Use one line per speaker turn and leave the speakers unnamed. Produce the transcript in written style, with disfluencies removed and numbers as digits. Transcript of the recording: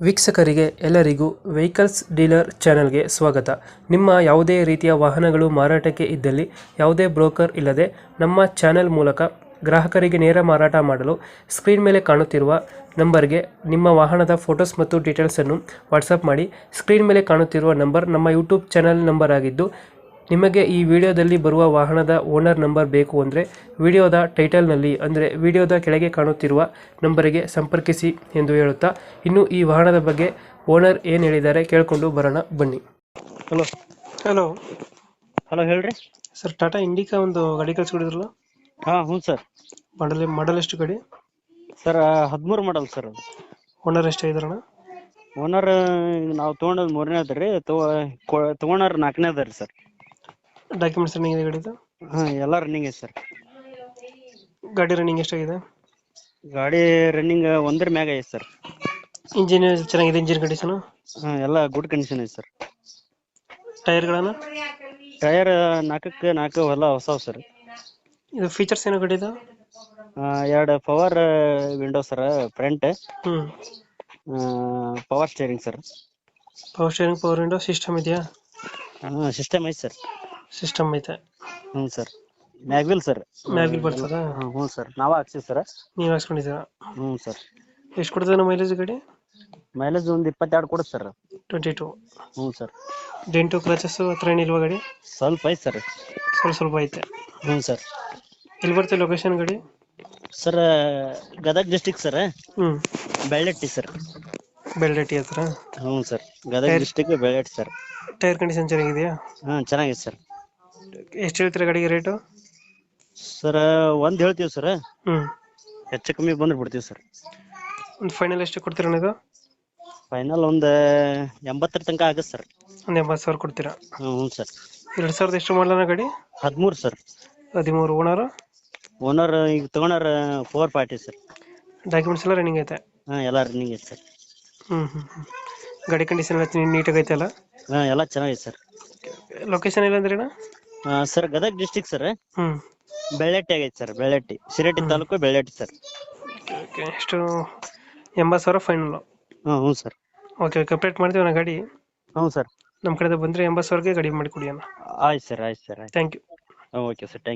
ವೀಕ್ಷಕರಿಗೆ ಎಲ್ಲರಿಗೂ vehicles dealer ಚಾನೆಲ್ಗೆ ಸ್ವಾಗತ. ನಿಮ್ಮ ಯಾವುದೇ ರೀತಿಯ ವಾಹನಗಳು ಮಾರಾಟಕ್ಕೆ ಇದ್ದಲ್ಲಿ ಯಾವುದೇ ಬ್ರೋಕರ್ ಇಲ್ಲದೆ ನಮ್ಮ ಚಾನೆಲ್ ಮೂಲಕ ಗ್ರಾಹಕರಿಗೆ ನೇರ ಮಾರಾಟ ಮಾಡಲು ಸ್ಕ್ರೀನ್ ಮೇಲೆ ಕಾಣುತ್ತಿರುವ ನಂಬರ್ಗೆ ನಿಮ್ಮ ವಾಹನದ ಫೋಟೋಸ್ ಮತ್ತು ಡೀಟೇಲ್ಸನ್ನು ವಾಟ್ಸಪ್ ಮಾಡಿ. ಸ್ಕ್ರೀನ್ ಮೇಲೆ ಕಾಣುತ್ತಿರುವ ನಂಬರ್ ನಮ್ಮ ಯೂಟ್ಯೂಬ್ ಚಾನೆಲ್ ನಂಬರ್ ಆಗಿದ್ದು, ನಿಮಗೆ ಈ ವಿಡಿಯೋದಲ್ಲಿ ಬರುವ ವಾಹನದ ಓನರ್ ನಂಬರ್ ಬೇಕು ಅಂದರೆ ವಿಡಿಯೋದ ಟೈಟಲ್ನಲ್ಲಿ ಅಂದರೆ ವಿಡಿಯೋದ ಕೆಳಗೆ ಕಾಣುತ್ತಿರುವ ನಂಬರಿಗೆ ಸಂಪರ್ಕಿಸಿ ಎಂದು ಹೇಳುತ್ತಾ, ಇನ್ನು ಈ ವಾಹನದ ಬಗ್ಗೆ ಓನರ್ ಏನು ಹೇಳಿದ್ದಾರೆ ಕೇಳಿಕೊಂಡು ಬರೋಣ ಬನ್ನಿ.
ಹಲೋ
ಹಲೋ
ಹಲೋ ಹೇಳ್ರಿ
ಸರ್, ಟಾಟಾ ಇಂಡಿಕಾ ಒಂದು ಗಾಡಿ ಕಳಿಸ್ಕೊಡಿದ್ರಲ್ಲ,
ಹ್ಞೂ ಸರ್.
ಮಾಡಲ್ ಎಷ್ಟು ಗಾಡಿ?
Sir 13 model sir.
ಓನರ್ ಎಷ್ಟಾಗಿದಾರಣ?
ಓನರ್ ನಾವು ತೊಗೊಂಡದ್ 3ನೇ ಅದ ರೀ, ತೊಗೊಂಡಾರ 4ನೇ ಅದ ರೀ ಸರ್.
ಡಾಕ್ಯುಮೆಂಟ್ಸ್ ರನ್ನಿಂಗ್ ಇದೆ ಗಾಡಿದು?
ಎಲ್ಲ ರನ್ನಿಂಗ್ ಐತೆ ಸರ್.
ಗಾಡಿ ರನ್ನಿಂಗ್ ಎಷ್ಟಾಗಿದೆ?
ಗಾಡಿ ರನ್ನಿಂಗ್ 1 ಮ್ಯಾಗ ಐತೆ ಸರ್.
ಇಂಜಿನ್ ಚೆನ್ನಾಗಿದೆ? ಇಂಜಿನ್ ಕಂಡೀಷನು
ಎಲ್ಲ ಗುಡ್ ಕಂಡೀಷನ್ ಐತೆ ಸರ್.
ಟೈರ್ಗಳನ್ನು?
ಟೈರ್ 4ಕ್ಕೆ 4 ಎಲ್ಲ ಹೊಸವು ಸರ್.
ಇದು ಫೀಚರ್ಸ್ ಏನೋ ಗಾಡಿದು?
2 power window sir front. Power steering sir.
Power steering, power window, system ಇದೆಯಾ?
ಸಿಸ್ಟಮ್ ಐತೆ ಸರ್.
ಸಿಸ್ಟಮ್ ಐತೆ.
ಹ್ಞೂ ಸರ್. Mag wheel sir.
ಮ್ಯಾಗ್ವಿಲ್ ಬರ್ತದಾ?
ಹ್ಞೂ ಸರ್, ನಾವೇ ಹಾಕ್ಸಿವಿ ಸರ್.
ನೀವು ಹಾಕ್ಸ್ಕೊಂಡಿದ್ದೀರಾ?
ಹ್ಞೂ ಸರ್.
ಎಷ್ಟು ಕೊಡ್ತದೆ ಮೈಲೇಜ್ ಗಾಡಿ?
ಮೈಲೇಜ್ ಒಂದು 22 ಕೊಡುತ್ತೆ ಸರ್.
22.
ಹ್ಞೂ ಸರ್.
ಡೆಂಟು ಕ್ರಚಸ್ ಹತ್ರ ಏನಿಲ್ವಾ ಗಾಡಿ?
ಸ್ವಲ್ಪ ಐತೆ ಸರ್.
ಸ್ವಲ್ಪ ಐತೆ.
ಹ್ಞೂ ಸರ್.
ಎಲ್ಲಿ ಬರ್ತದೆ ಲೊಕೇಶನ್ ಗಾಡಿ?
Sir Gadag district sir. Bellatti sir.
Bellatti ಹತ್ರ?
ಹ್ಞೂ sir, Gadag district Bellatti sir.
Tyre condition ಚೆನ್ನಾಗಿದೆಯಾ?
ಚೆನ್ನಾಗಿದೆ ಸರ್.
ಎಷ್ಟು ಹೇಳ್ತೀರಾ ಗಾಡಿಗೆ ರೇಟು?
ಸರ್ 1 ಹೇಳ್ತೀವಿ ಸರ್. ಹೆಚ್ಚು ಕಮ್ಮಿ ಬಂದ್ರೆ ಬಿಡ್ತೀವಿ ಸರ್.
ಒಂದು ಫೈನಲ್ ಎಷ್ಟು ಕೊಡ್ತೀರಾ ಇದು?
ಫೈನಲ್ ಒಂದು 80 ತನಕ ಆಗುತ್ತೆ ಸರ್.
ಒಂದು 80,000 ಕೊಡ್ತೀರಾ?
ಹ್ಞೂ ಸರ್.
2000 ಎಷ್ಟು ಮಾಡಲಣ್ಣ ಗಾಡಿ?
13 ಸರ್.
13. ಓನರು?
ಓನರ್ ಈಗ ತೊಗೊಂಡಾರ 4 ಪಾರ್ಟಿ ಸರ್.
ಡಾಕ್ಯುಮೆಂಟ್ಸ್ ಎಲ್ಲ ರನ್ನಿಂಗ್ ಐತೆ?
ಎಲ್ಲ ರನ್ನಿಂಗ್ ಐತೆ ಸರ್.
ಗಾಡಿ ಕಂಡೀಷನ್ ಎಲ್ಲ ನೀಟಾಗಿ ಐತೆ ಅಲ್ಲ?
ಎಲ್ಲ ಚೆನ್ನಾಗಿದೆ ಸರ್.
ಲೊಕೇಶನ್ ಇಲ್ಲ ಅಂದ್ರೆ ಅಣ್ಣ?
Sir Gadag district sir. Bellatti ಆಗೈತೆ ಸರ್. ಬೆಳ್ಳಟ್ಟಿ, ಶಿರಟ್ಟಿ ತಾಲೂಕು, ಬೆಳ್ಳಟ್ಟಿ ಸರ್.
ಎಷ್ಟು? 80,000 ಫೈನಲ್?
ಹ್ಞೂ ಸರ್.
ಓಕೆ, ಕಂಪ್ಲೀಟ್ ಮಾಡ್ತೀವಿ ಅಣ್ಣ ಗಾಡಿ.
ಹ್ಞೂ ಸರ್.
ನಮ್ಮ ಕಡೆಯಿಂದ ಬಂದರೆ 80,000ಗೆ ಗಾಡಿ ಮಾಡಿಕೊಡಿ ಅಣ್ಣ.
ಆಯ್ತು sir.
Thank you.
Okay sir, thank you.